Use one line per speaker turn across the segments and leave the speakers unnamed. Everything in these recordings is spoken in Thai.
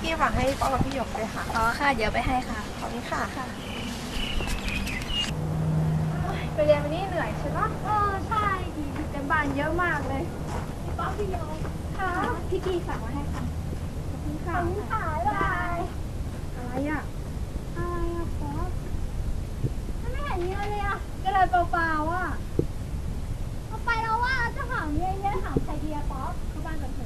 กี้ฝากให้ป๊อปกับพี่หยกเลยค่ะ
อ๋อค่ะเดี๋ยวไปให้ค่ะ
ขอบคุณค่ะไปเรียนวันนี้เหนื่อยใช่ปะ
ใช่ดีแต่บ้านเยอะมากเลย
พี่ป๊อปพี่หยก
ค่ะพี่กี้ฝากมาให้ค่ะ
ขอบคุณค่ะ
บาย
อะไรอ่ะ
ป๊อปไม่เห็นมีอะไรเลยอ่ะกระดาษเปล่าๆอ่ะเอาไปแล้วว่าจะถามเยอะๆถามใครดีอะป๊อปเข้าบ้านก่อนเถอะ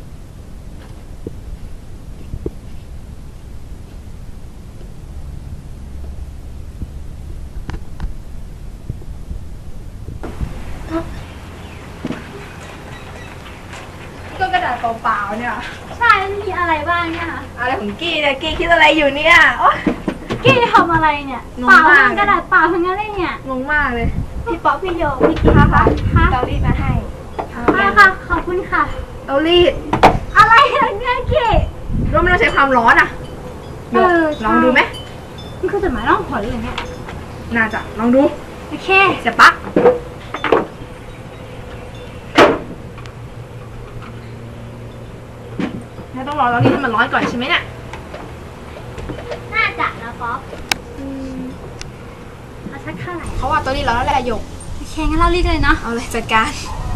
ก็กระดาษเปล่าๆเนี่ย
ใช่มีอะไรบ้างเนี่ยคะ
อะไรของกี้เนี่ยกี้คิดอะไรอยู่เนี่ยโอ๊ย
กี้ทำอะไรเนี่ยเปล่าทั้งกระดาษเปล่าทั้งนั้นเลยเนี่ย
งงมากเลย
พี่ป๊อปพี่โยพี่กี้ค่ะ
เตารีดมาให้
ค่ะขอบคุณค่ะ
เตารีด
อะไรเนี่ยกี้
รู้ไม่ต้องใช้ความร้อนอ่ะลองดูไหม
นี่คือจดหมายร้องขอเลยเนี่ย
น่าจะลองดู
โอเค
เสียบปลั๊กต้องรอเตารีดให้มันร้อนก่อนใช่ไหมเนี่ย
น่าจะนะป๊อปเอาสักเท่าไหร่
เขาว่าเตารีดร้อนแล้วแหละหยก
โอเคงั้นเรารีดเลยเนาะ
เอาเลยจัดการ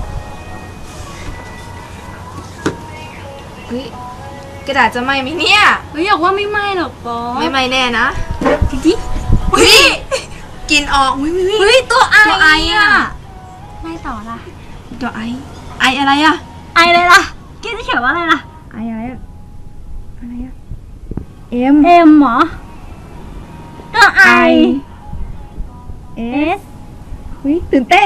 เฮ้ยกระดาษจะไหม้ไหมเนี่ย
อยากว่าไม่ไหม้หรอกป๊อป
ไม่แน่นะ
จริง
เฮ้ยกินออก
เฮ้ยตัวไออ่ะไม่ต่อละ
ตัวไออะไรอ่ะ
ไออะไรล่ะกี้จะเขียนว่าอะไรล่ะ
ไออะไรอ่ะเอ็ม
เหรอตัวไอ
เอสเฮ้ยตื่นเต้น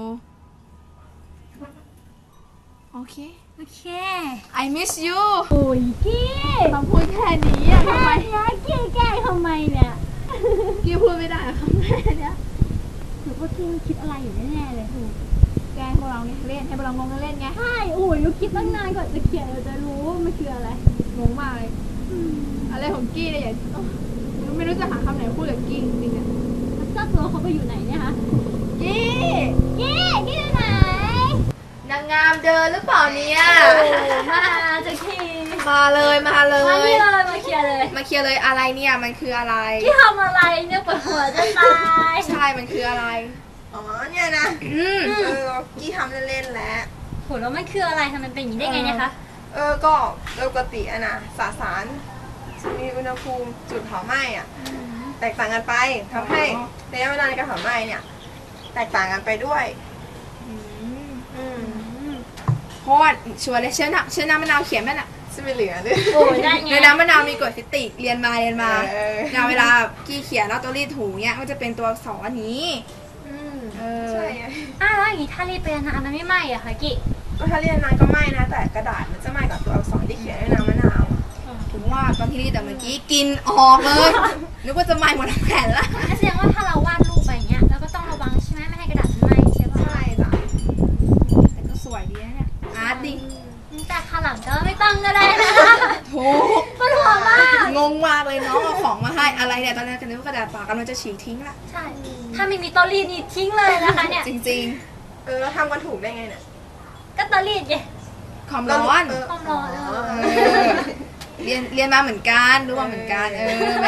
โอเคI miss you
โอ้ยกี้
คำพูดแค่นี้อ่ะทำไม
กี้แกล้งทำไมเนี่ย
กี้พูดไม่ได้คำแค่นี้
หรือว่ากี้คิดอะไรอยู่แน่ๆเลย
แกล้งพวกเราไงเล่นให้พวกเรางงเล่นไง
ใช่โอ้ยเราคิดตั้งนานก่อนจะเขียนเราจะรู้ว่ามันคืออะไร
งงมากเลยอะไรของกี้เนี่ยอย่าไม่รู้จะหาคำไหนพูดกับกี้จริงๆอ่ะ
เจ้าตัวเขาไปอยู่ไหนเนี่ยคะ
กี้
อยู่ไหน
นางงามเดินหรือเปล่าเนี่ย
มาจะคี
มาเลย
มาเคลียร์
เลยอะไรเนี่ยมันคืออะไร
ที่ทำอะไรเนี่ยปวดหัวจะตาย
ใช่มันคืออะไร
อ๋อเนี่ยนะกี้ทำเล่นๆแล้ว
โหแล้วมันคืออะไรทำไมเป็นอย่างนี้ได้ไงเนี่ยคะ
ก็ปกติอะนะสารมีอุณหภูมิจุดเผาไหม้อะแตกต่างกันไปทำให้ระยะเวลาในการเผาไหม้เนี่ยแตกต่างกันไปด้วย
เพราะว่าชัวร์เลยเชื้อน้ำมะนาวเขียนแม่น่ะ
ซึ่งไม่เหลือด้วย
ในน้ำมะนาวมีกรดฟิติกเรียนมาเวลากี้เขียนแล้วตัวรีดถูเนี่ยก็จะเป็นตัวอักษรนี้
ใช่
แล้วอย่างนี้ถ้ารีดไปนานมันไม่ไหม้อะคะกี้
ก็ถ้าเรียนนานก็ไหม้นะแต่กระดาษมันจะไหม้กับตัวอักษรที่เขียนด้วยน้ำมะนาว
ถึงว่าตอนที่รีดแต่เมื่อกี้กินออกเลยนึกว่าจะไหม้หมดทั้งแผ่นละ
แสดงว่าถ้าเราวาดรูปไปเงี้ยเราก็ต้องระวังใช่ไหมไม่ให้กระดาษมันไหม้ใช่ป่ะ
ใช่จ้ะ
แต่ก็สวยดีนะเนี่ยอาร์ตดิ
แต่ข้างหลังก็ไม่ต้องก็ได้นะ
ถูก
ปวดหัวมาก
งงมากเลยน้องเอาของมาให้อะไรเนี่ยตอนแรกกันนึกว่ากระดาษเปล่ากำลังจะฉีกทิ้งละ
ใช่ถ้าไม่มีตอรีดนี่ทิ้งเลยนะคะเนี่ย
จริง
แล้วทำกันถูกได้ไงเนี่ย
ก็ตอรีดไง
ความร้อนเรียนมาเหมือนกันรู้ว่าเหมือนกันแหม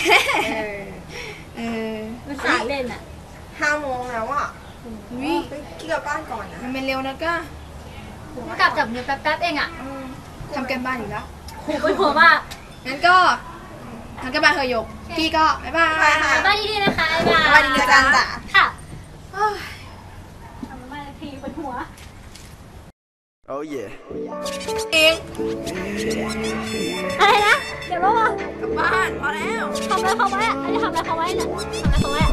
มันสายเล่นอ่ะ
5 โมงแล้วอ่ะกี้กลับบ้านก่อนนะ
มันเป็นเร็วนะก็
กลับจากเนื้อแป๊บๆเองอ่ะ
ทำกันบ้านอยู่แล้ว
โหปวดหัวมาก
งั้นก็ทำกันบ้านเฮยกกี้ก็บ๊ายบาย
บ้านดีๆนะคะ
บ๊ายบายดีจังจ้ะ
ค่ะทำบ้านทีปวดหัว
Oh yeah
เอง
อะไรนะเดี๋ยวรู้ป่ะ
กลับบ้านพอแล้ว
ทำอะไรเขาไว้อะทำอะไรเขาไว้เนี่ยทำอะไรเขาไว้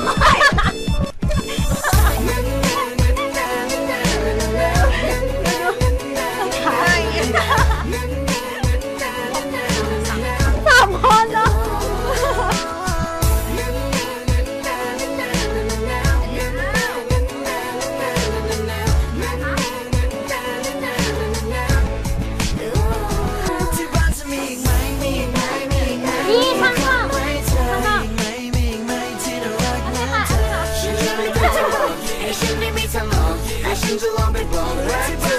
3 คนเนาะ
ฉันจะลองไปบอกรัก